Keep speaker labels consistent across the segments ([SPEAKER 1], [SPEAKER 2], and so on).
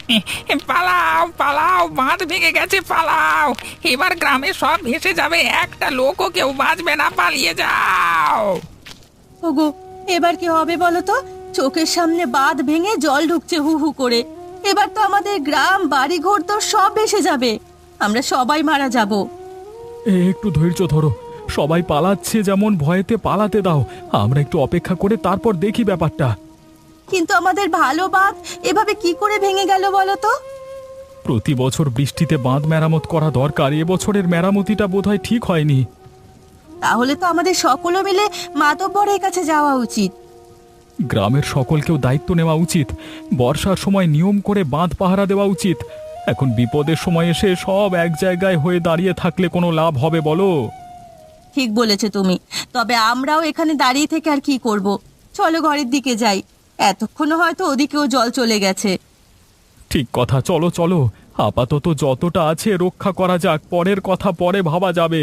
[SPEAKER 1] পালাও পালাও, বাঁধ ভেঙে গেছে, পালাও। এবার গ্রামে সব ভেসে যাবে, একটা লোকও কেউ বাঁচবে না, পালিয়ে যাও।
[SPEAKER 2] ওগো, এবার কি হবে বলো তো? চোখের সামনে বাঁধ ভেঙে জল ঢুকছে হু হু করে। এবার তো আমাদের গ্রাম বাড়ি ঘর তো সব ভেসে যাবে, আমরা সবাই মারা যাব।
[SPEAKER 3] একটু ধৈর্য ধরো, সবাই পালাচ্ছে যেমন ভয়েতে পালাতে দাও। আমরা একটু অপেক্ষা করে তারপর দেখি ব্যাপারটা।
[SPEAKER 2] কিন্তু আমাদের ভালো বাঁধ এভাবে কি করে ভেঙে গেল বলো তো?
[SPEAKER 3] প্রতি বছর বৃষ্টিতে বাঁধ মেরামত করা দরকার, এবছরের মেরামতিটা বোধহয় ঠিক হয়নি।
[SPEAKER 2] তাহলে তো আমাদের সকলে মিলে মাতব্বরের কাছে যাওয়া উচিত।
[SPEAKER 3] গ্রামের সকলকেও দায়িত্ব নেওয়া উচিত। বর্ষার সময় নিয়ম করে বাঁধ পাহারা দেওয়া উচিত। এখন বিপদের সময় এসে সব এক জায়গায় হয়ে দাঁড়িয়ে থাকলে কোনো লাভ হবে বলো?
[SPEAKER 2] ঠিক বলেছে তুমি, তবে আমরাও এখানে দাঁড়িয়ে থেকে আর কি করব? চলো ঘরের দিকে যাই, এতক্ষণ হয়তো ওদিকেও জল চলে গেছে।
[SPEAKER 3] ঠিক কথা, চলো চলো, আপাতত যতটা আছে রক্ষা করা যাক, পরের কথা পরে ভাবা যাবে।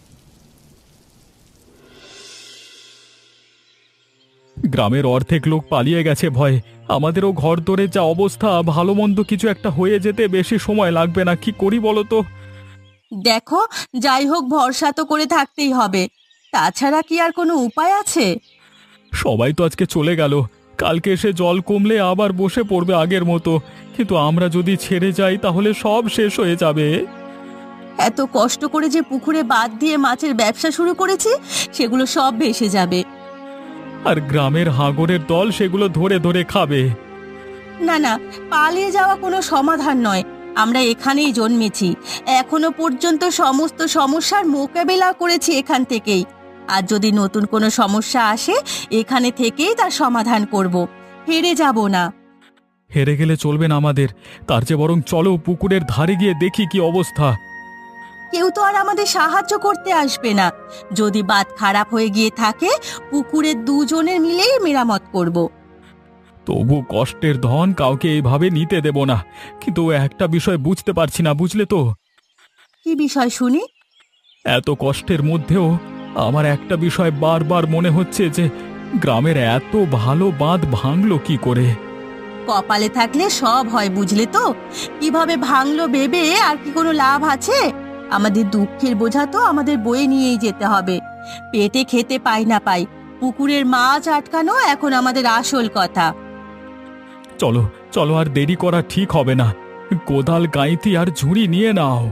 [SPEAKER 3] গ্রামের অর্ধেক লোক পালিয়ে গেছে ভয়ে। আমাদেরও ঘর দরে যা অবস্থা, ভালো মন্দ কিছু একটা হয়ে যেতে বেশি সময় লাগবে না। কি করি বলো তো?
[SPEAKER 2] দেখো, যাই হোক ভরসা তো করে থাকতেই হবে, তাছাড়া কি আর কোনো উপায় আছে?
[SPEAKER 3] সবাই তো আজকে চলে গেল, কালকে এসে জল কমলে আবার বসে পড়বে আগের মতো। কিন্তু আমরা যদি ছেড়ে যাই তাহলে সব শেষ হয়ে যাবে।
[SPEAKER 2] এত কষ্ট করে যে পুকুরে বাঁধ দিয়ে মাছের ব্যবসা শুরু করেছি, সেগুলো সব ভেসে যাবে।
[SPEAKER 3] আর গ্রামের হাঙরের দল সেগুলো ধরে ধরে খাবে।
[SPEAKER 2] না না, পালিয়ে যাওয়া কোনো সমাধান নয়। আমরা এখানেই জন্মেছি, এখনো পর্যন্ত সমস্ত সমস্যার মোকাবেলা করেছি এখান থেকেই। আর যদি নতুন কোনো সমস্যা আসে, এখানে থেকেই তার সমাধান করব, হেরে যাব না।
[SPEAKER 3] হেরে গেলে চলবে না আমাদের, তার চেয়ে বরং চলো পুকুরের ধারে গিয়ে দেখি কি অবস্থা।
[SPEAKER 2] কেউ তো আর আমাদের সাহায্য করতে আসবে না। যদি বাঁধ খারাপ হয়ে গিয়ে থাকে, পুকুরের দুজনের মিলেই মেরামত করব।
[SPEAKER 3] তবু কষ্টের ধন কাউকে এইভাবে নিতে দেব না। কিন্তু একটা বিষয় বুঝতে পারছি না, বুঝলে তো?
[SPEAKER 2] কি বিষয় শুনি?
[SPEAKER 3] এত কষ্টের মধ্যেও আমার একটা বিষয় বারবার মনে হচ্ছে যে গ্রামের এত ভালো বাঁধ ভাঙলো কি করে।
[SPEAKER 2] কপালে থাকলে সব হয়, বুঝলে তো? কিভাবে ভাঙলো ভেবে আর কি কোনো লাভ আছে? আমাদের দুঃখের বোঝা তো আমাদের বয়ে নিয়েই যেতে হবে। পেটে খেতে পাই না পাই, পুকুরের মাছ আটকানো এখন আমাদের আসল কথা।
[SPEAKER 3] চলো চলো, আর দেরি করা ঠিক হবে না। কোদাল, গাইতি আর ঝুড়ি নিয়ে নাও।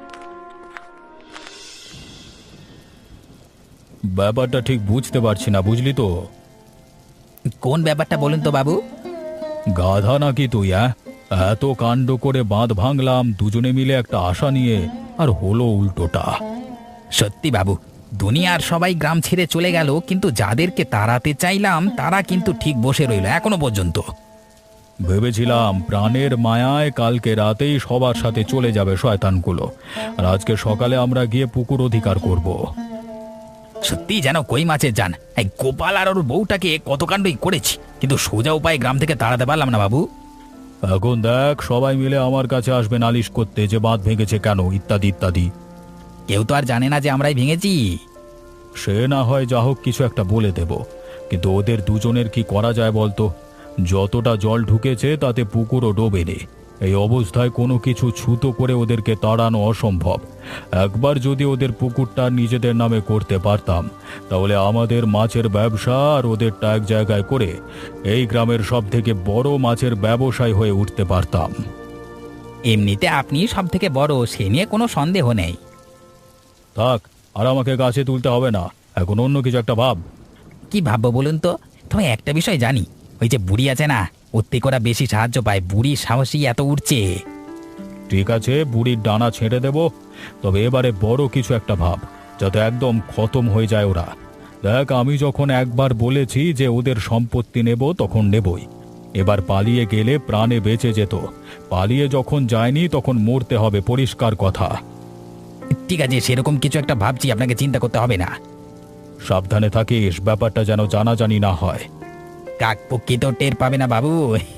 [SPEAKER 3] ব্যাপারটা ঠিক বুঝতে পারছি না, বুঝলি তো?
[SPEAKER 4] কোন ব্যাপারটা বলুন তো বাবু?
[SPEAKER 3] গাধা নাকি তুই? এত কাণ্ড করে বাঁধ ভাঙলাম দুজনে মিলে একটা আশা নিয়ে, আর হলো উল্টোটা।
[SPEAKER 4] সত্যি বাবু, দুনিয়ার সবাই গ্রাম ছেড়ে চলে গেল, কিন্তু যাদেরকে তাড়াতে চাইলাম তারা কিন্তু ঠিক বসে রইল এখনো পর্যন্ত।
[SPEAKER 3] ভেবেছিলাম প্রাণের মায়ায় কালকে রাতেই সবার সাথে চলে যাবে শয়তানগুলো, আর আজকে সকালে আমরা গিয়ে পুকুর অধিকার করব।
[SPEAKER 4] সত্যি যেন কই মাছের জান। এই গোপাল আর ওর বউটাকে কত কাণ্ডই করেছি, কিন্তু সোজা উপায় গ্রাম থেকে তাড়াতে পারলাম না বাবু।
[SPEAKER 3] এখন দেখ, সবাই মিলে আমার কাছে আসবে নালিশ করতে যে বাঁধ ভেঙেছে কেন, ইত্যাদি ইত্যাদি।
[SPEAKER 4] কেউ তো আর জানে না যে আমরাই ভেঙেছি।
[SPEAKER 3] সে না হয় যা হোক কিছু একটা বলে দেব, কিন্তু ওদের দুজনের কি করা যায় বলতো? যতটা জল ঢুকেছে তাতে পুকুরও ডোবেনি। এই অবস্থায় কোনো কিছু ছুতো করে ওদেরকে তাড়ানো অসম্ভব। একবার যদি ওদের পুকুরটা নিজেদের নামে করতে পারতাম, তাহলে আমাদের মাছের ব্যবসা আর ওদেরটা এক জায়গায় করে এই গ্রামের সব থেকে বড় মাছের ব্যবসায়ী হয়ে উঠতে পারতাম।
[SPEAKER 4] এমনিতে আপনি সব থেকে বড়, সে নিয়ে কোনো সন্দেহ নেই।
[SPEAKER 3] থাক, আর আমাকে গাছে তুলতে হবে না, এখন অন্য কিছু একটা ভাব।
[SPEAKER 4] কি ভাববো বলুন তো? তবে একটা বিষয় জানি, ওই যে বুড়ি আছে না, ওর থেকে ওরা বেশি সাহায্য পায়। বুড়ির সাহসী এত উঠছে।
[SPEAKER 3] ঠিক আছে, বুড়ির ডানা ছেড়ে দেব, তবে এবারে বড় কিছু একটা ভাব, যাতে একদম খতম হয়ে যায় ওরা। দেখ, আমি যখন একবার বলেছি যে ওদের সম্পত্তি নেব, তখন নেবই। এবার পালিয়ে গেলে প্রাণে বেঁচে যেত, পালিয়ে যখন যায়নি তখন মরতে হবে, পরিষ্কার কথা।
[SPEAKER 4] ঠিক আছে, সেরকম কিছু একটা ভাবছি, আপনাকে চিন্তা করতে হবে না।
[SPEAKER 3] সাবধানে থাকিস, ব্যাপারটা যেন জানাজানি না হয়।
[SPEAKER 4] কাকপক্ষী তো টের পাবে না বাবু।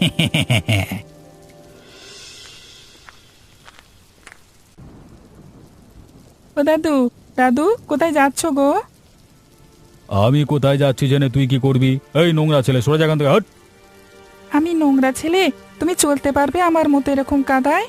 [SPEAKER 1] ও দাদু, দাদু কোথায় যাচ্ছ গো?
[SPEAKER 3] আমি কোথায় যাচ্ছি জেনে তুই কি করবি? এই নোংরা ছেলে, সরে যা এখান থেকে, হট!
[SPEAKER 1] আমি নোংরা ছেলে?
[SPEAKER 5] তুমি চলতে পারবে আমার মতো এরকম কাদায়?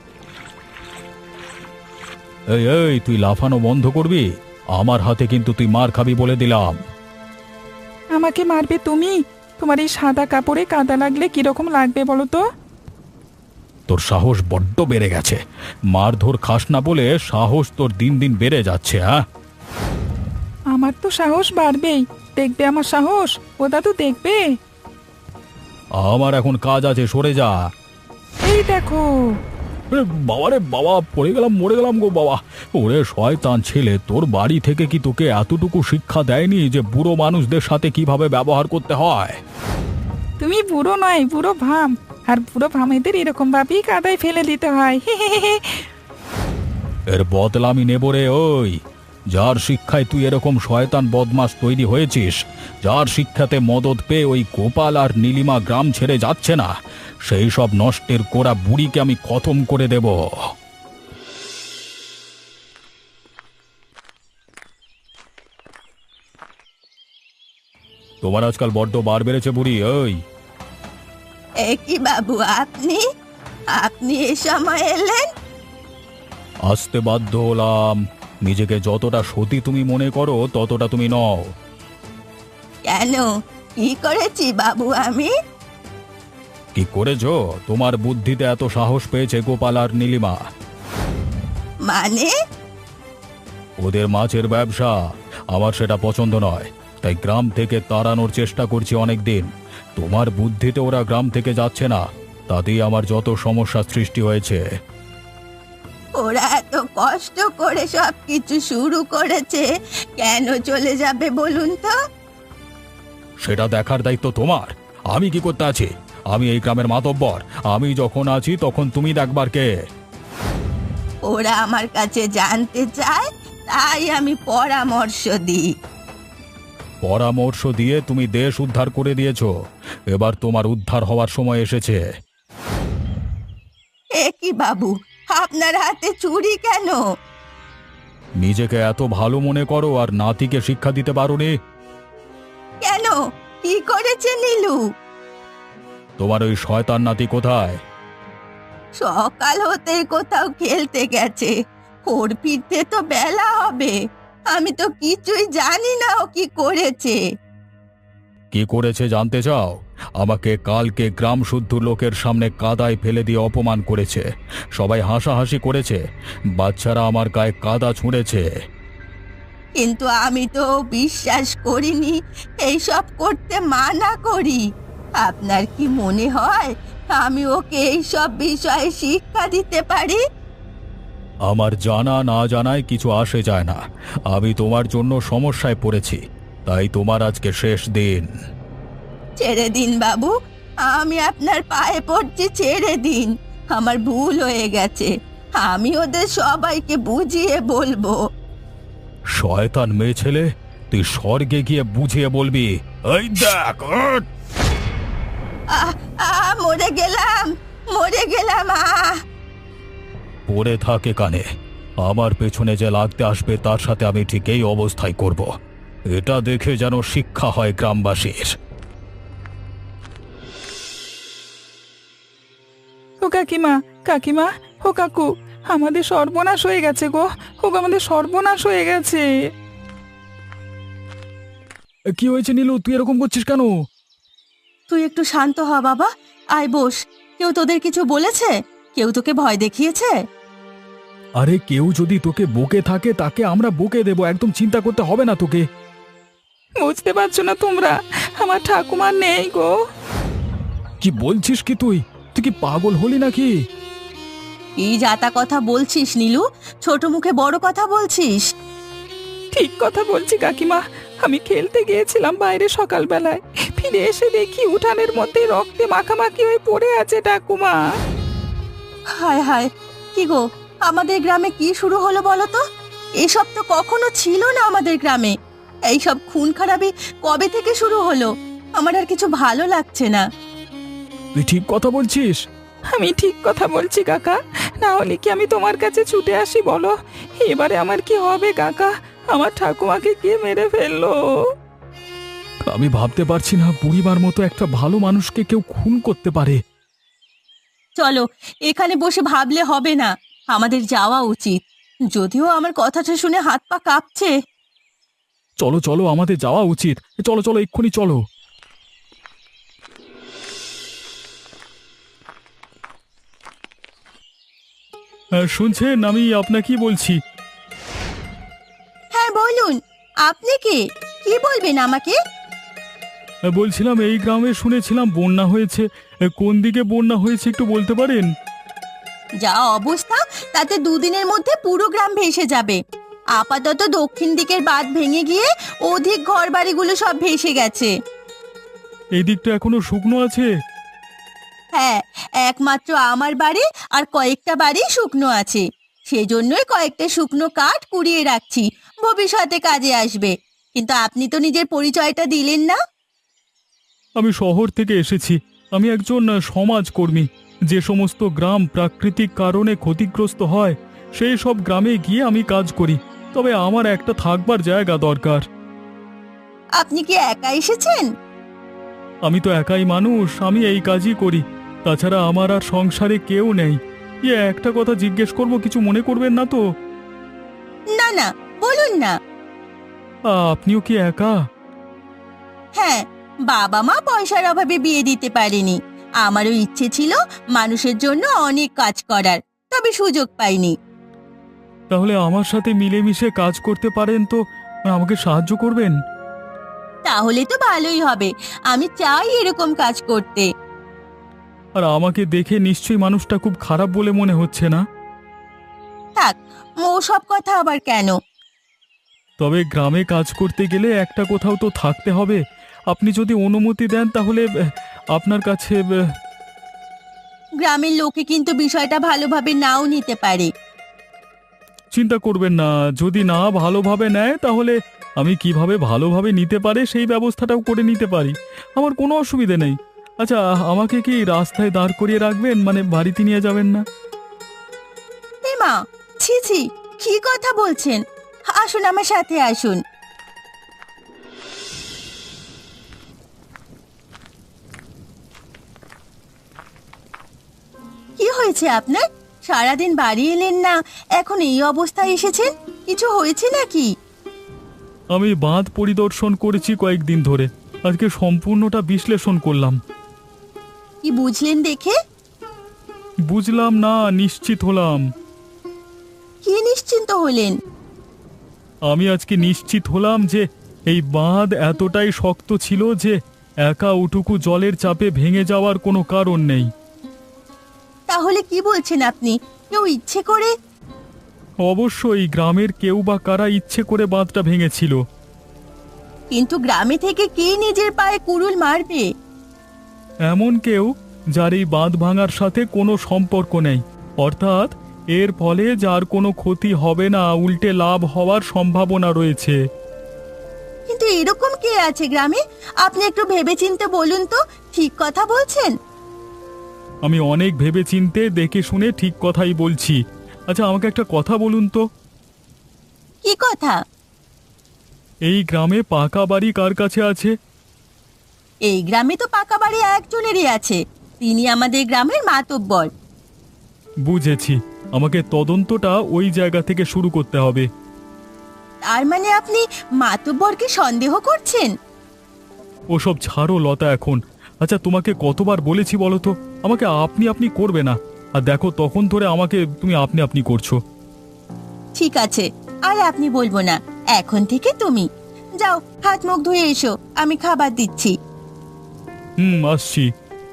[SPEAKER 3] এই এই তুই লাফানো বন্ধ করবি, আমার হাতে কিন্তু তুই মার খাবি বলে দিলাম।
[SPEAKER 5] আমাকে মারবে তুমি? তোমার এই সাদা কাপড়ে কাদা লাগলে কিরকম লাগবে বলো তো?
[SPEAKER 3] তোর সাহস বড্ড বেড়ে গেছে, মারধর খাস না বলে সাহস তোর দিন দিন বেড়ে যাচ্ছে। হ্যাঁ,
[SPEAKER 5] আমার তো সাহস বাড়বেই, দেখবে আমার সাহস, ওটা তো দেখবে।
[SPEAKER 3] আমার এখন কাজ আছে, সরে যা।
[SPEAKER 5] এই দেখো।
[SPEAKER 3] বাবা রে বাবা, পড়ে গেলাম, মরে গেলাম গো বাবা। ওরে শয়তান ছেলে, তোর বাড়ি থেকে কি তোকে এতটুকু শিক্ষা দেয়নি যে বুড়ো মানুষদের সাথে কিভাবে ব্যবহার করতে হয়?
[SPEAKER 5] তুমি বুড়ো নয়, বুড়ো ভাম, আর বুড়ো ভামেদের এরকম ভাবেই কাদায় ফেলে দিতে হয়।
[SPEAKER 3] এর বদলা আমি নেব রে। ওই যার শিক্ষায় তুই এরকম শয়তান বদমাশ তৈরি হয়েছিস, যার শিক্ষাতে মদত পেয়ে ওই গোপাল আর নীলিমা গ্রাম ছেড়ে যাচ্ছে না, সেই সব নষ্টের কোড়া বুড়িকে আমি খতম করে দেব। তোমার আজকাল বড্ড বার বেড়েছে বুড়ি। ওই
[SPEAKER 2] এ কি বাবু, আপনি আপনি এ সময় এলেন?
[SPEAKER 3] আসতে বাধ্য হলাম। নিজেকে যতটা সতী তুমি মনে করো ততটা তুমি নও।
[SPEAKER 2] কেন, কি করেছি বাবু আমি?
[SPEAKER 3] কি করেছো? তোমার বুদ্ধিতে এত সাহস পেয়েছে গোপাল আর নীলিমা।
[SPEAKER 2] মানে?
[SPEAKER 3] ওদের মাছের ব্যবসা, আমার সেটা পছন্দ নয়, তাই গ্রাম থেকে তাড়ানোর চেষ্টা করছি অনেক দিন। তোমার বুদ্ধিতে ওরা গ্রাম থেকে যাচ্ছে না, তাতেই আমার যত সমস্যা সৃষ্টি হয়েছে।
[SPEAKER 2] ওরা এত কষ্ট করে সব কিছু শুরু করেছে, কেন চলে যাবে বলুন তো?
[SPEAKER 3] সেটা দেখার দায়িত্ব তোমার। আমি কি করতে আছি? আমি এই গ্রামের মাতব্বর, আমি যখন আছি তখন তুমি দেখবার কে?
[SPEAKER 2] ওরা আমার কাছে জানতে চায়, তাই আমি পরামর্শ দিই।
[SPEAKER 3] পরামর্শ দিয়ে তুমি দেশ উদ্ধার করে দিয়েছো, এবার তোমার উদ্ধার হওয়ার সময় এসেছে।
[SPEAKER 2] এ কি বাবু, আপনার হাতে চুরি কেন?
[SPEAKER 3] নিজেকে এত ভালো মনে করো আর নাতিকে শিক্ষা দিতে পারোনি?
[SPEAKER 2] কেন, কি করেছে নীলু?
[SPEAKER 3] তোমার ওই শয়তান নাতি কোথায়?
[SPEAKER 2] সকাল হতে কোথাও খেলতে গেছে, ওর ফিরতে তো বেলা হবে। আমি তো কিছুই জানি না ও কি করেছে।
[SPEAKER 3] কি করেছে জানতে চাও? আমাকে কালকে গ্রাম শুদ্ধ লোকের সামনে কাদায় ফেলে দিয়ে অপমান করেছে। সবাই হাসাহাসি করেছে, বাচ্চারা আমার গায়ে কাদা ছুঁড়েছে।
[SPEAKER 2] কিন্তু আমি তো বিশ্বাস করিনি, এইসব করতে মানা করি। আপনার কি মনে হয় আমি ওকে এইসব বিষয়ে শিক্ষা দিতে পারি?
[SPEAKER 3] আমার জানা না জানায় কিছু আসে যায় না। আমি তোমার জন্য সমস্যায় পড়েছি, তাই তোমার আজকে শেষ দিন।
[SPEAKER 2] ছেড়ে দিন বাবু, আমি আপনার পায়ে পড়ছি, ছেড়ে দিন। আমার ভুল হয়ে গেছে, আমি ওদের সবাইকে বুঝিয়ে বলবো।
[SPEAKER 3] শয়তান মেয়ে ছেলে, তুই স্বর্গে গিয়ে বুঝিয়ে বলবি। এই দেখ, উঠ!
[SPEAKER 2] আহ আহ, মরে গেলাম, মরে গেলাম।
[SPEAKER 3] পড়ে থাকে কানে, আমার পেছনে যে লাগতে আসবে তার সাথে আমি ঠিক এই অবস্থায় করব। এটা দেখে যেন শিক্ষা হয় গ্রামবাসীর।
[SPEAKER 5] ও কাকিমা, কাকিমা, ও কাকু, আমাদের সর্বনাশ হয়ে গেছে গো। ও আমাদের সর্বনাশ হয়ে গেছে।
[SPEAKER 3] কি হয়েছে নীলু, তুই এরকম করছিস কেন?
[SPEAKER 2] তুই একটু শান্ত হ বাবা, আয় বস। কেউ তোদের কিছু বলেছে? কেউ তোকে ভয় দেখিয়েছে?
[SPEAKER 3] আরে কেউ যদি তোকে বকে থাকে তাকে আমরা বকে দেব, একদম চিন্তা করতে হবে না তোকে।
[SPEAKER 5] বুঝতে পারছো না তোমরা, আমার ঠাকুমা নেই গো।
[SPEAKER 3] কি বলছিস কি তুই? তুই কি পাগল হলি নাকি?
[SPEAKER 2] কি যাতা কথা বলছিস নীলু? ছোট মুখে বড় কথা বলছিস।
[SPEAKER 5] ঠিক কথা বলছি কাকিমা, আমি খেলতে গিয়েছিলাম বাইরে সকালবেলায়, ফিরে এসে দেখি উঠানের মধ্যে রক্তে মাখামাখি হয়ে পড়ে আছে ঠাকুমা।
[SPEAKER 2] হায় হায়, কি গো, আমাদের গ্রামে কি শুরু হলো বলো তো? এসব তো কখনো ছিল না আমাদের গ্রামে। এইসব খুন খারাপি কবে থেকে শুরু হলো? আমার আর কিছু ভালো লাগছে না।
[SPEAKER 3] তুই ঠিক কথা বলছিস?
[SPEAKER 5] আমি ঠিক কথা বলছি কাকা, না হলে কি আমি তোমার কাছে ছুটে আসি বলো? এবারে আমার কি হবে কাকা? আমার ঠাকুমাকে কে মেরে ফেললো?
[SPEAKER 3] আমি ভাবতে পারছি না বুড়িমার মতো একটা ভালো মানুষকে কেউ খুন করতে পারে।
[SPEAKER 2] চলো, এখানে বসে ভাবলে হবে না, আমাদের যাওয়া উচিত। যদিও আমার কথাটা শুনে হাত পা কাঁপছে।
[SPEAKER 3] চলো চলো, আমাদের যাওয়া উচিত। চলো চলো, এক্ষুনি চলো। শুনছেন, আমি আপনাকেই বলছি।
[SPEAKER 2] হ্যাঁ বলুন, আপনি কে? কি বলবেন আমাকে?
[SPEAKER 3] বলছিলাম, এই গ্রামে শুনেছিলাম বন্যা হয়েছে। কোন দিকে বন্যা হয়েছে একটু বলতে পারেন?
[SPEAKER 2] যা অবস্থা, তাতে দুদিনের মধ্যে পুরো গ্রাম ভেসে যাবে। আপাতত দক্ষিণ দিকের বাঁধ ভেঙে গিয়ে অধিক ঘরবাড়িগুলো সব ভেসে গেছে।
[SPEAKER 3] এই দিকটা এখনো শুকনো আছে?
[SPEAKER 2] হ্যাঁ, একমাত্র আমার বাড়ি আর কয়েকটা বাড়ি শুকনো আছে। সেজন্যই কয়েকটা শুকনো কাঠ কুড়িয়ে রাখছি, ভবিষ্যতে কাজে আসবে। কিন্তু আপনি তো নিজের পরিচয়টা দিলেন না।
[SPEAKER 3] আমি শহর থেকে এসেছি। আমি একজন সমাজকর্মী। যে সমস্ত গ্রাম প্রাকৃতিক কারণে ক্ষতিগ্রস্ত হয়, সেই সব গ্রামে গিয়ে আমি কাজ করি। তবে আমার একটা থাকবার জায়গা দরকার।
[SPEAKER 2] আপনি কি একা এসেছেন?
[SPEAKER 3] আমি তো একাই মানুষ, আমি এই কাজই করি। তাছাড়া আমার আর সংসারে কেউ নেই। একটা কথা জিজ্ঞেস করব, কিছু মনে করবেন না তো?
[SPEAKER 2] না না, বলুন না।
[SPEAKER 3] আপনিও কি একা?
[SPEAKER 2] হ্যাঁ, বাবা মা পয়সার অভাবে বিয়ে দিতে পারেনি। আমারও ইচ্ছে ছিল মানুষের জন্য অনেক কাজ করার, তবে সুযোগ পাইনি।
[SPEAKER 3] তাহলে আমার সাথে মিলেমিশে কাজ করতে পারেন তো আমাকে সাহায্য করবেন?
[SPEAKER 2] তাহলে তো ভালোই হবে, আমি চাই এরকম কাজ করতে।
[SPEAKER 3] আর আমাকে দেখে নিশ্চয়ই মানুষটা খুব খারাপ বলে মনে হচ্ছে না?
[SPEAKER 2] থাক, ও সব কথা আবার কেন?
[SPEAKER 3] তবে গ্রামে কাজ করতে গেলে একটা কোথাও তো থাকতে হবে। আপনি যদি অনুমতি দেন তাহলে আপনার কাছে
[SPEAKER 2] গ্রামের লোকে কিন্তু বিষয়টা ভালোভাবে নাও নিতে পারে।
[SPEAKER 3] চিন্তা করবেন না, যদি না ভালোভাবে নেয় তাহলে আমি কিভাবে ভালোভাবে নিতে পারে সেই ব্যবস্থাটাও করে নিতে পারি। আমার কোনো অসুবিধে নেই। আচ্ছা, আমাকে কি রাস্তায় দাঁড় করিয়ে রাখবেন, মানে বাড়িতে নিয়ে যাবেন না?
[SPEAKER 2] এ মা, ছি ছি, কি কথা বলছেন? আসুন, আমার সাথে আসুন। কি হয়েছে আপনার? সারাদিন বাড়ি এলেন না, এখন এই অবস্থায় এসেছেন? কিছু হয়েছে নাকি?
[SPEAKER 3] আমি বাঁধ পরিদর্শন করেছি কয়েকদিন ধরে। আজকে সম্পূর্ণটা বিশ্লেষণ করলাম।
[SPEAKER 2] কি বুঝলেন দেখে?
[SPEAKER 3] বুঝলাম না, নিশ্চিত হলাম।
[SPEAKER 2] কি নিশ্চিন্ত হলেন?
[SPEAKER 3] আমি আজকে নিশ্চিত হলাম যে এই বাঁধ এতটাই শক্ত ছিল যে একা উটুকু জলের চাপে ভেঙে যাওয়ার কোনো কারণ নেই।
[SPEAKER 2] তাহলে কি বলছেন আপনি? কেউ ইচ্ছে করে?
[SPEAKER 3] অবশ্যই গ্রামের কেউ বা কারা ইচ্ছে করে বাঁধটা ভেঙেছিল।
[SPEAKER 2] কিন্তু গ্রামে থেকে কে নিজের পায়ে কুড়ুল মারবে?
[SPEAKER 3] এমন কেউ যার এই বাঁধ ভাঙার সাথে কোনো সম্পর্ক নেই, অর্থাৎ এর ফলে যার কোনো ক্ষতি হবে না, উল্টে লাভ হওয়ার সম্ভাবনা রয়েছে।
[SPEAKER 2] কিন্তু এরকম কে আছে গ্রামে? আপনি একটু ভেবেচিন্তে বলুন তো, ঠিক কথা বলছেন?
[SPEAKER 3] আমি অনেক ভেবেচিন্তে দেখে শুনে ঠিক কথাই বলছি। আচ্ছা, আমাকে একটা কথা বলুন তো।
[SPEAKER 2] কি কথা?
[SPEAKER 3] এই গ্রামে পাকা বাড়ি কার কাছে আছে?
[SPEAKER 2] এই গ্রামে তো পাকা বাড়ি একজনেরই আছে, তিনি আমাদের গ্রামের মাতব্বর।
[SPEAKER 3] বুঝেছি, আমাকে তদন্তটা ওই জায়গা থেকে শুরু করতে হবে।
[SPEAKER 2] তার মানে আপনি মাতব্বরকে সন্দেহ করছেন?
[SPEAKER 3] ওসব ছাড়ো লতা এখন। আচ্ছা, তোমাকে কতবার বলেছি বলো তো, আমাকে আপনি আপনি করবে না। আর দেখো, তখন ধরে আমাকে তুমি আপনি আপনি করছো।
[SPEAKER 2] ঠিক আছে, আর আপনি বলবো না, এখন থেকে তুমি। যাও, হাত মুখ ধুয়ে এসো, আমি খাবার দিচ্ছি।
[SPEAKER 3] আসছি।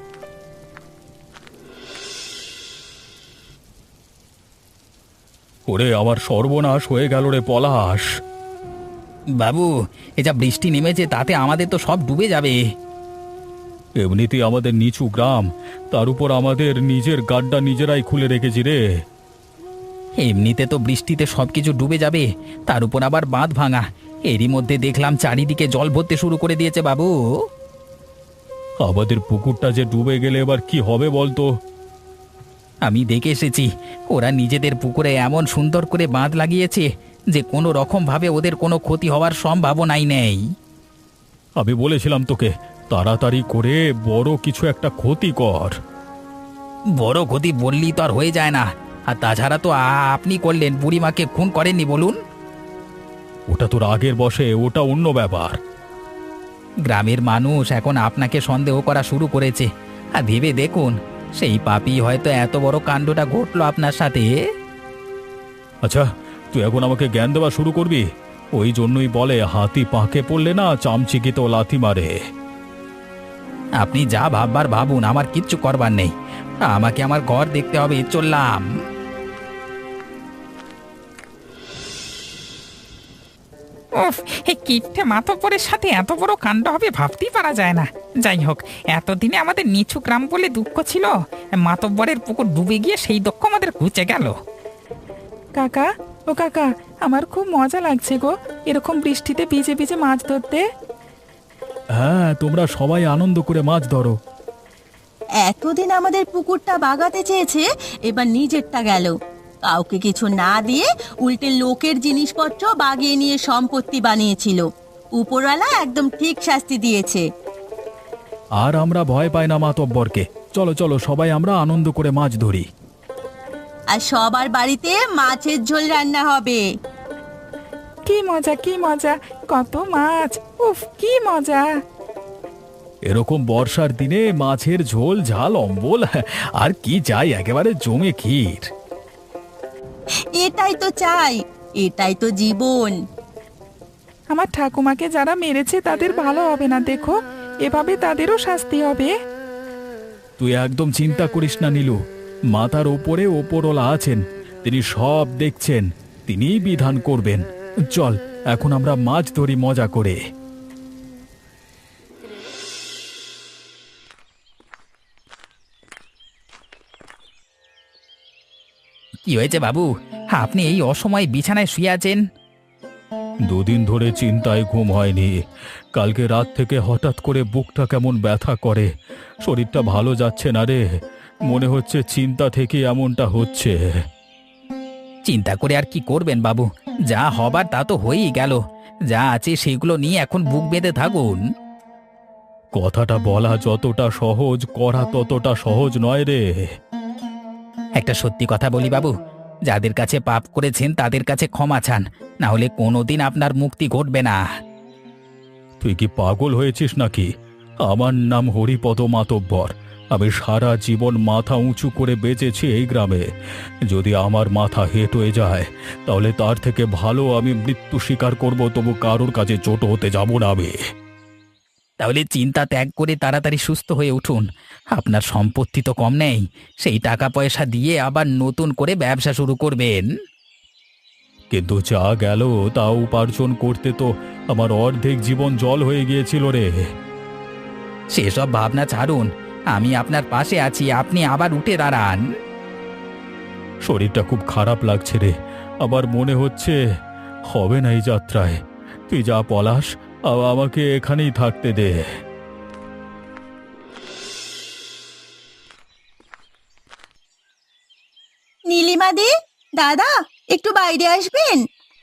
[SPEAKER 3] ওরে, আমার সর্বনাশ হয়ে গেল রে পলাশ।
[SPEAKER 4] বাবু, এ যা বৃষ্টি নেমেছে তাতে আমাদের তো সব ডুবে যাবে।
[SPEAKER 3] এমনিতেই আমাদের নিচু গ্রাম, তার উপর আমাদের নিজের গাড্ডা নিজেরাই খুলে রেখেছি রে।
[SPEAKER 4] এমনিতে তো বৃষ্টিতে সবকিছু ডুবে যাবে, তার উপর আবার বাঁধ ভাঙা। এরই মধ্যে দেখলাম চারিদিকে জল ভরতে শুরু করে দিয়েছে বাবু।
[SPEAKER 3] আমাদের পুকুরটা যে ডুবে গেলে এবার কি হবে বলতো?
[SPEAKER 4] আমি দেখে এসেছি, ওরা নিজেদের পুকুরে এমন সুন্দর করে বাঁধ লাগিয়েছে যে কোনো রকম ভাবে ওদের কোনো ক্ষতি হওয়ার সম্ভাবনাই নেই।
[SPEAKER 3] আমি বলেছিলাম তোকে, তাড়াতাড়ি করে বড় কিছু একটা ক্ষতি কর।
[SPEAKER 4] বড় ক্ষতি বললেই তো আর হয়ে যায় না। আর তাছাড়া তো আপনি করলেন, বুড়িমাকে খুন করেননি বলুন।
[SPEAKER 3] ওটা তোর আগের বসে, ওটা অন্য ব্যাপার।
[SPEAKER 4] গ্রামের মানুষ এখন আপনাকে সন্দেহ করা শুরু করেছে। আর ভেবে দেখুন, সেই পাপী হয়তো এত বড় কাণ্ডটা ঘটলো আপনার সাথে।
[SPEAKER 3] আচ্ছা, তুই এখন আমাকে জ্ঞান দেওয়া শুরু করবি? ওই জন্যই বলে হাতি পাঁকে পড়লে না চামচিকিতেও লাথি মারে।
[SPEAKER 4] আপনি যা ভাববার ভাবুন, আমার কিচ্ছু করবার নেই। আমাকে আমার ঘর দেখতে হবে, চললাম।
[SPEAKER 1] উফ, এই কিট্টে মাতব্বরের সাথে এত বড় কাণ্ড হবে ভাবতেই পারা যায় না। যাই হোক, এতদিনে আমাদের নিচু গ্রাম বলে দুঃখ ছিল, মাতব্বরের পুকুর ডুবে গিয়ে সেই দুঃখ আমাদের ঘুচে গেল।
[SPEAKER 5] কাকা, ও কাকা, আমার খুব মজা লাগছে গো এরকম বৃষ্টিতে ভিজে ভিজে মাছ ধরতে।
[SPEAKER 3] হ্যাঁ, তোমরা সবাই আনন্দ করে মাছ ধরো।
[SPEAKER 2] এতদিন আমাদের পুকুরটা বাগাতে চেয়েছে, এবার নিজেরটা গেল। কাউকে কিছু না দিয়ে উল্টে লোকের জিনিসপত্র বাগিয়ে নিয়ে সম্পত্তি বানিয়েছিল। উপরওয়ালা একদম ঠিক শাস্তি দিয়েছে।
[SPEAKER 3] আর আমরা ভয় পাই না মাতব্বরকে। চলো চলো, সবাই আমরা আনন্দ করে মাছ ধরি।
[SPEAKER 2] আর সবার বাড়িতে মাছের ঝোল রান্না হবে।
[SPEAKER 5] কি মজা, কি মজা, কত মাছ, উফ কি মজা।
[SPEAKER 3] এরকম বর্ষার দিনে মাছের ঝোল, ঝাল, অম্বল, আর কি চাই, একেবারে জমে ক্ষীর।
[SPEAKER 2] এটাই তো চাই, এটাই তো জীবন।
[SPEAKER 5] আমার ঠাকুমাকে যারা মেরেছে তাদের ভালো হবে না, দেখো এভাবে তাদেরও শাস্তি হবে।
[SPEAKER 3] তুই একদম চিন্তা করিস না নীলু, মাথার ওপরে ওপরওয়ালা আছেন, তিনি সব দেখছেন, তিনিই বিধান করবেন। চল এখন আমরা মাছ ধরি মজা করে।
[SPEAKER 4] কি হয়েছে বাবু, আপনি এই অসময়ে বিছানায় শুয়ে আছেন?
[SPEAKER 3] দুদিন ধরে চিন্তায় ঘুম হয়নি। কালকে রাত থেকে হঠাৎ করে বুকটা কেমন ব্যথা করে, শরীরটা ভালো যাচ্ছে না রে। মনে হচ্ছে চিন্তা থেকে এমনটা হচ্ছে।
[SPEAKER 4] চিন্তা করে আর কি করবেন বাবু, যা হবার তা তো হয়েই গেল। যা আছে সেগুলো নিয়ে এখন বুক বেঁধে থাকুন।
[SPEAKER 3] কথাটা বলা যতটা সহজ, করা ততটা সহজ নয় রে।
[SPEAKER 4] একটা সত্যি কথা বলি বাবু, যাদের কাছে পাপ করেছেন তাদের কাছে ক্ষমা চান, না হলে কোনোদিন আপনার মুক্তি ঘটবে না।
[SPEAKER 3] তুই কি পাগল হয়েছিস নাকি? আমার নাম হরিপদ মাতব্বর। আমি সারা জীবন মাথা উঁচু করে বেঁচেছি এই গ্রামে। যদি আমার মাথা হেঁট হয়ে যায় তাহলে তার থেকে ভালো আমি মৃত্যু স্বীকার করব, তবু কারোর কাছে ছোট হতে যাব না আমি।
[SPEAKER 4] তাহলে চিন্তা ত্যাগ করে তাড়াতাড়ি সুস্থ হয়ে উঠুন। আপনার সম্পত্তি তো কম নেই, সেই টাকা পয়সা দিয়ে আবার নতুন করে ব্যবসা শুরু করবেন।
[SPEAKER 3] কিন্তু যা গেল তা উপার্জন করতে তো আমার অর্ধেক জীবন জল হয়ে গিয়েছিল রে।
[SPEAKER 4] সেসব ভাবনা ছাড়ুন, আমি আপনার পাশে আছি, আপনি আবার উঠে দাঁড়ান।
[SPEAKER 3] শরীরটা খুব খারাপ লাগছে রে, আবার মনে হচ্ছে হবে না এই যাত্রায়। তুই যা পলাশ, আমাকে এখানেই থাকতে দে।
[SPEAKER 2] নীলিমাদি, দাদা, একটু বাইরে আসবেন?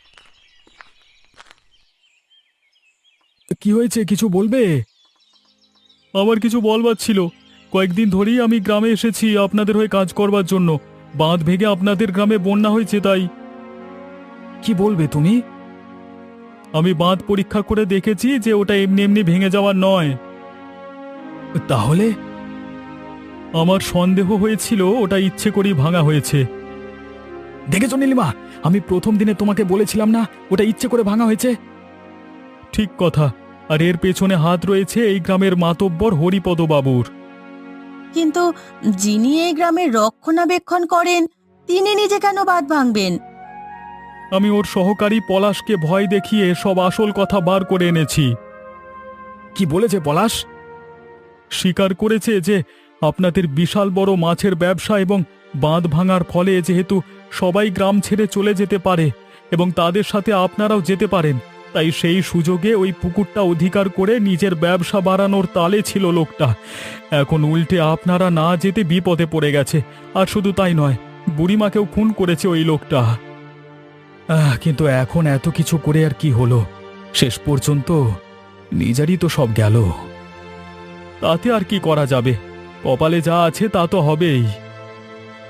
[SPEAKER 3] কি হয়েছে, কিছু বলবে? আমার কিছু বলবার ছিল। কয়েকদিন ধরেই আমি গ্রামে এসেছি আপনাদের হয়ে কাজ করবার জন্য। বাঁধ ভেঙে আপনাদের গ্রামে বন্যা হয়েছে, তাই। কি বলবে তুমি? আমি বাঁধ পরীক্ষা করে দেখেছি যে ওটা এমনি এমনি ভেঙে যাওয়ার নয়। তাহলে? আমার সন্দেহ হয়েছিল ওটা ইচ্ছে করেই ভাঙা হয়েছে। দেখেছো নীলিমা, আমি প্রথম দিনে তোমাকে বলেছিলাম না ওটা ইচ্ছে করে ভাঙা হয়েছে। ঠিক কথা, আর এর পেছনে হাত রয়েছে এই গ্রামের মাতব্বর হরিপদ বাবুর।
[SPEAKER 2] কিন্তু যিনি এই গ্রামের রক্ষণাবেক্ষণ করেন তিনি নিজে কেন বাঁধ ভাঙবেন?
[SPEAKER 3] আমি ওর সহকারী পলাশকে ভয় দেখিয়ে সব আসল কথা বার করে এনেছি। কি বলেছে পলাশ? স্বীকার করেছে যে আপনাদের বিশাল বড় মাছের ব্যবসা এবং বাঁধ ভাঙার ফলে যেহেতু সবাই গ্রাম ছেড়ে চলে যেতে পারে এবং তাদের সাথে আপনারাও যেতে পারেন, তাই সেই সুযোগে ওই পুকুরটা অধিকার করে নিজের ব্যবসা বাড়ানোর তালে ছিল লোকটা। এখন উল্টে আপনারা না যেতে বিপদে পড়ে গেছে। আর শুধু তাই নয়, বুড়িমাকেও খুন করেছে ওই লোকটা। কিন্তু এখন এত কিছু করে আর কি হলো? শেষ পর্যন্ত নিজেরই তো সব গেল। তাতে আর কি করা যাবে? কপালে যা আছে তা তো হবেই।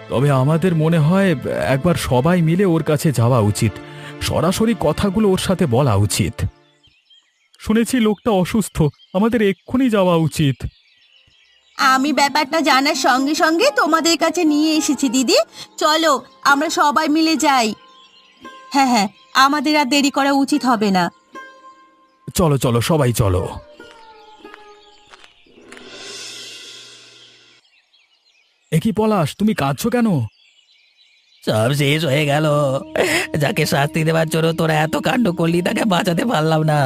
[SPEAKER 3] তবে আমাদের মনে হয় একবার সবাই মিলে ওর কাছে যাওয়া উচিত, সরাসরি কথাগুলো ওর সাথে বলা উচিত। শুনেছি লোকটা অসুস্থ, আমাদের এক্ষুনি যাওয়া উচিত।
[SPEAKER 2] আমি ব্যাপারটা জানার সঙ্গে সঙ্গে তোমাদের কাছে নিয়ে এসেছি দিদি। চলো আমরা সবাই মিলে যাই। হ্যাঁ হ্যাঁ, আমাদের আর দেরি করা উচিত হবে না।
[SPEAKER 3] চলো চলো সবাই চলো। এ কি পলাশ, তুমি কাঁদছো কেন?
[SPEAKER 4] সব শেষ হয়ে গেল। যাকে শাস্তি দেওয়ার জন্য তোরা এত কাণ্ড করলি তাকে বাঁচাতে পারলাম না।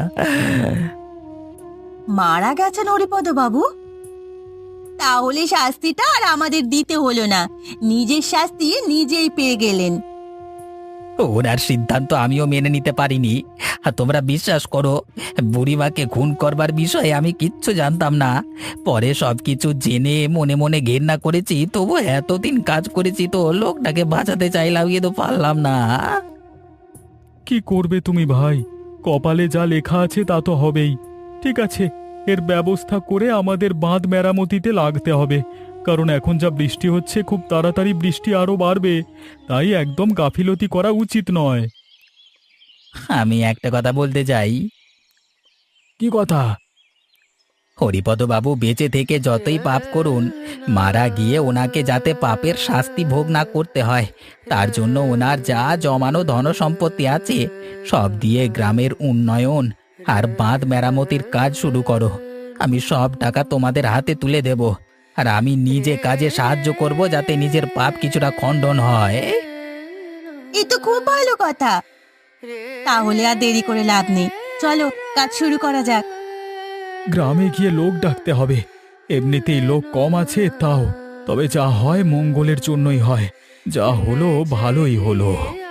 [SPEAKER 2] মারা গেছেন হরিপদ বাবু? তাহলে শাস্তিটা আর আমাদের দিতে হলো না, নিজের শাস্তি নিজেই পেয়ে গেলেন।
[SPEAKER 4] ওনার সিদ্ধান্ত আমিও মেনে নিতে পারিনি। আর তোমরা বিশ্বাস করো, বুড়িমাকে খুন করবার বিষয়ে আমি কিচ্ছু জানতাম না। পরে সবকিছু জেনে মনে মনে ঘেন্না করেছি, তবু এতদিন কাজ করেছি তো লোকটাকে বাঁচাতে চাইলাম, কিন্তু পারলাম না।
[SPEAKER 3] কি করবে তুমি ভাই, কপালে যা লেখা আছে তা তো হবেই। ঠিক আছে, এর ব্যবস্থা করে আমাদের বাঁধ মেরামতিতে লাগতে হবে, কারণ এখন যা বৃষ্টি হচ্ছে খুব তাড়াতাড়ি বৃষ্টি আরো বাড়বে, তাই একদম গাফিলতি করা উচিত নয়।
[SPEAKER 4] আমি একটা কথা বলতে চাই।
[SPEAKER 3] কি কথা?
[SPEAKER 4] হরিপদ বাবু বেঁচে থেকে যতই পাপ করুন, মারা গিয়ে ওনাকে যাতে পাপের শাস্তি ভোগ না করতে হয়, তার জন্য ওনার যা জমানো ধন সম্পত্তি আছে সব দিয়ে গ্রামের উন্নয়ন আর বাঁধ মেরামতির কাজ শুরু করো। আমি সব টাকা তোমাদের হাতে তুলে দেব, আর আমি নিজে কাজে সাহায্য করব যাতে নিজের পাপ কিছুটা খণ্ডন হয়।
[SPEAKER 2] এ তো খুব ভালো কথা। তাহলে আর দেরি করে লাভ নেই, চলো কাজ শুরু করা যাক।
[SPEAKER 3] গ্রামে গিয়ে লোক ডাকতে হবে, এমনিতেই লোক কম আছে তাও। তবে যা হয় মঙ্গলের জন্যই হয়, যা হলো ভালোই হলো।